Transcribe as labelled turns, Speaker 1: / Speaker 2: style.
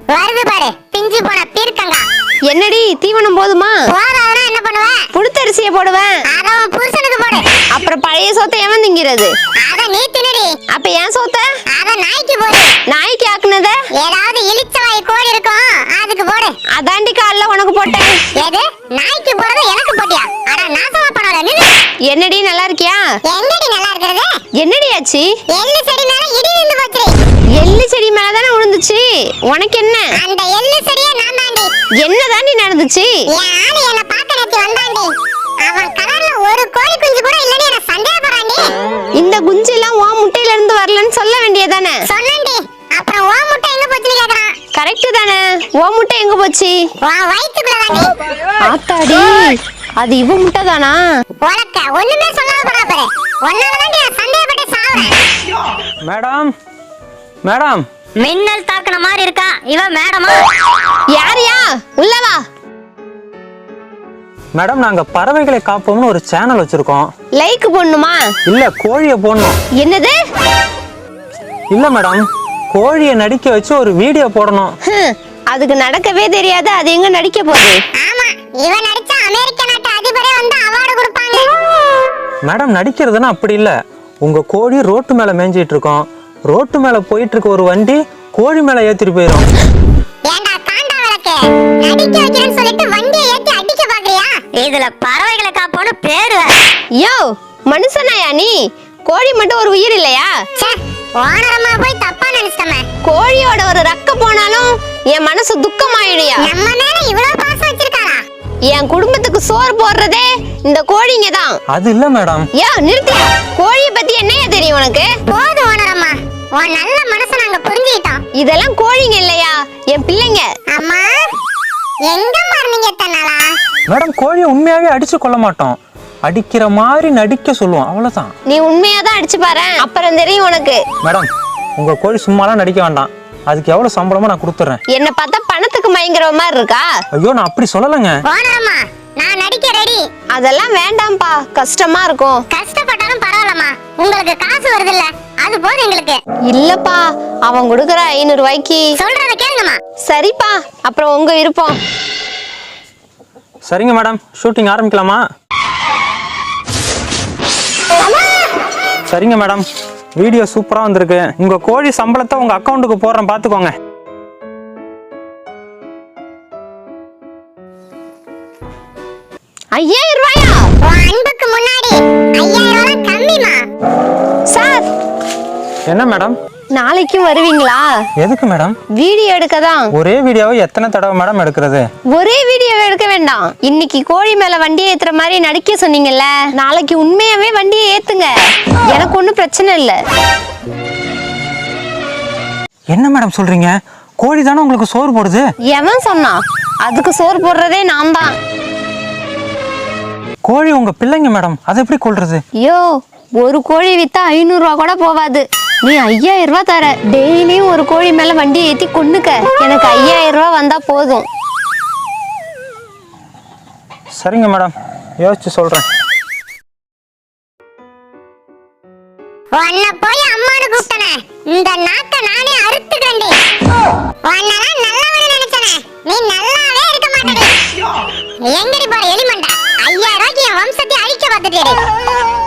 Speaker 1: வருது பாரு பிஞ்சு போன பீர்க்கங்கா.
Speaker 2: என்னடி தீவனம் போதுமா?
Speaker 1: போறாதனா என்ன பண்ணுவ?
Speaker 2: புழுத்தரிசியை போடுவேன்.
Speaker 1: அத உன் புருஷனுக்கு போடு.
Speaker 2: அப்புறம் பழைய சோத்தை எவன் திங்கிறது?
Speaker 1: அத நீ தின்னுடி.
Speaker 2: அப்ப ஏன் சோத்த?
Speaker 1: அத நாய்க்கு போடு.
Speaker 2: நாய்க்கு ஆக்குனத?
Speaker 1: ஏதாவது இளிச்சவாய் கோழி இருக்கும் அதுக்கு போடு.
Speaker 2: அதாண்டி கால்ல உனக்கு போட்டேன்.
Speaker 1: எது நாய்க்கு போறது எனக்கு போட்டியா? அட நாசமா பண்ணாத நீ.
Speaker 2: என்னடி நல்லா இருக்கியா?
Speaker 1: எங்கடி நல்லா இருக்குது?
Speaker 2: என்னடி ஆச்சு?
Speaker 1: எள்ளு செடி மேல இடி விழுந்து போச்சு.
Speaker 2: எள்ளு செடி மேல தானே விழுந்துச்சு. உனக்கு என்ன?
Speaker 1: அந்த எள்ளு செடியே நான் தாண்டி.
Speaker 2: என்னதாண்டி நடந்துச்சு?
Speaker 1: என் ஆளு என்ன பார்க்க நேத்து வந்தாண்டி. அவன் கலர்ல ஒரு கோழி குஞ்சு கூட இல்லன்னு என்ன சந்தேகப்படுறாண்டி.
Speaker 2: இந்த குஞ்சு எல்லாம் உன் முட்டையில இருந்து வரலன்னு சொல்ல வேண்டியதானே?
Speaker 1: சொன்னேன்டி. அப்புறம் ஓ முட்டை எங்க போச்சுன்னு கேக்குறான்.
Speaker 2: கரெக்ட் தானே. உன் முட்டை எங்க போச்சு?
Speaker 1: உன் வயித்துக்குள்ள தாண்டி.
Speaker 2: ஆத்தாடி அது இவ முட்டை தானா?
Speaker 1: உனக்கு ஒண்ணுமே சொல்லாத போறா பாரு. ஒன்னால தாண்டி நான் சந்தேகப்பட்டு சாவறேன்.
Speaker 3: மேடம் மேடம்
Speaker 1: மின்னல் தாக்குன மாதிரி இருக்கா இவன் மேடமா?
Speaker 2: யாரியா? உள்ள வா.
Speaker 3: மேடம் நாங்க பறவைகளை காப்போம்னு ஒரு சேனல் வச்சிருக்கோம்.
Speaker 2: லைக் போடணுமா?
Speaker 3: இல்ல கோழியை போடணும்.
Speaker 2: என்னது?
Speaker 3: இல்ல மேடம் கோழியை நடிக்க வச்சு ஒரு வீடியோ போடணும்.
Speaker 2: அதுக்கு நடக்கவே தெரியாது. அது எங்க நடிக்க போகுது?
Speaker 1: ஆமா இவன் நடிச்சா அமெரிக்க நாட்டு அதிபரே வந்து அவார்டு கொடுப்பாங்க.
Speaker 3: மேடம் நடிக்கிறதுனா அப்படி இல்ல. உங்க கோழி ரோட்டு மேல மேய்ஞ்சிட்டு இருக்கோம். ரோட்டு மேல போயிட்டு இருக்க ஒரு வண்டி கோழி மேல ஏத்திட்டு போயிடும்.
Speaker 1: ஏண்டா காண்டா விளக்கு நடிக்க வைக்கிறேன்னு சொல்லிட்டு வண்டியை ஏத்தி அடிக்க பாக்குறியா? இதுல பறவைகளை காப்போன்னு பேரு.
Speaker 2: யோ மனுஷனாயா நீ? கோழி மட்டும் ஒரு உயிர் இல்லையா?
Speaker 1: ஓனரமா போய் தப்பா நினைச்சிட்டமே.
Speaker 2: கோழியோட ஒரு ரக்க போனாலும் என் மனசு துக்கமாயிடுயா.
Speaker 1: நம்ம மேல இவ்வளவு பாசம் வச்சிருக்காரா?
Speaker 2: என் குடும்பத்துக்கு சோறு போடுறதே இந்த கோழிங்க தான்.
Speaker 3: அது இல்ல மேடம்.
Speaker 2: யோ நிறுத்தியா. கோழியை பத்தி என்னையா தெரியும் உனக்கு?
Speaker 1: போது ஓனரம்மா உன் நல்ல மனசை நாங்க புரிஞ்சுக்கிட்டோம்.
Speaker 2: இதெல்லாம் கோழிங்க இல்லையா, என் பிள்ளைங்க.
Speaker 1: அம்மா எங்க மார்னிங்க தன்னாலா?
Speaker 3: மேடம் கோழியை உண்மையாவே அடிச்சு கொள்ள மாட்டோம். அடிக்கிற மாதிரி நடிக்க சொல்லுவோம் அவ்வளவுதான்.
Speaker 2: நீ உண்மையா தான் அடிச்சு பாரு, அப்புறம் தெரியும் உனக்கு.
Speaker 3: மேடம் உங்க கோழி சும்மாலாம் நடிக்க வேண்டாம். அதுக்கு எவ்வளவு சம்பளமோ நான் கொடுத்துறேன்.
Speaker 2: என்ன பார்த்தா பணத்துக்கு மயங்குற மாதிரி இருக்கா?
Speaker 3: ஐயோ நான் அப்படி சொல்லலங்க.
Speaker 1: ஓனரம்மா நான் நடிக்க ரெடி.
Speaker 2: அதெல்லாம் வேண்டாம்பா, கஷ்டமா இருக்கும்.
Speaker 1: கஷ்டப்பட்டாலும் பரவாயில்லம்மா, உங்களுக்கு காசு வருது இல்ல அது போதும் எங்களுக்கு.
Speaker 2: இல்லப்பா அவன் கொடுக்கற 500 ரூபாய்க்கு.
Speaker 1: சொல்றத கேளுங்கம்மா.
Speaker 2: சரிப்பா அப்புறம் உங்க விருப்பம்.
Speaker 3: சரிங்க மேடம் ஷூட்டிங் ஆரம்பிக்கலாமா? சரிங்க மேடம் வீடியோ சூப்பரா வந்திருக்கு. உங்க கோழி சம்பளத்தை உங்க அக்கவுண்ட்டுக்கு போடுறேன் பாத்துக்கோங்க.
Speaker 2: ₹5000?
Speaker 1: உன் அன்புக்கு முன்னாடி 5000 கம்மிமா.
Speaker 2: சார்
Speaker 3: என்ன மேடம்
Speaker 2: நாளைக்கும் வருவீங்களா?
Speaker 3: எதுக்கு மேடம்?
Speaker 2: வீடியோ எடுக்க தான்.
Speaker 3: ஒரே வீடியோவை எத்தனை தடவை மேடம் எடுக்கிறது?
Speaker 2: ஒரே வீடியோவை எடுக்க வேண்டாம். இன்னைக்கு கோழி மேல வண்டியை ஏத்துற மாதிரி நடிக்க சொன்னீங்கல்ல, நாளைக்கு உண்மையாவே வண்டியை ஏத்துங்க. எனக்கு ஒன்றும் பிரச்சனை இல்லை.
Speaker 3: என்ன மேடம் சொல்றீங்க? கோழி தானே உங்களுக்கு சோறு போடுது.
Speaker 2: எவன் சொன்னா? அதுக்கு சோறு போடுறதே நான் தான்.
Speaker 3: கோழி உங்க பிள்ளைங்க மேடம், அதை எப்படி கொள்றது?
Speaker 2: ஐயோ ஒரு கோழி வித்தா 500 ரூபா கூட போவாது. நீ 5000 ரூபா தர. டெய்லியும் ஒரு கோழி மேல வண்டியை ஏத்தி கொண்டுக்க. எனக்கு 5000 ரூபா வந்தா போதும்.
Speaker 3: சரிங்க மேடம் யோசிச்சு சொல்றேன்.
Speaker 1: உன்னை போய் அம்மானு கூப்பிட்டனே, இந்த நாக்க நானே அறுத்துக்கண்டி. உன்னெல்லாம் நல்லவனு நினைச்சனே, நீ நல்லாவே இருக்க மாட்டேடி. எங்கடி போற எலிமண்டா? 5000 ரூபாய்க்கு என் வம்சத்தை அழிக்க பார்த்துட்டேடி.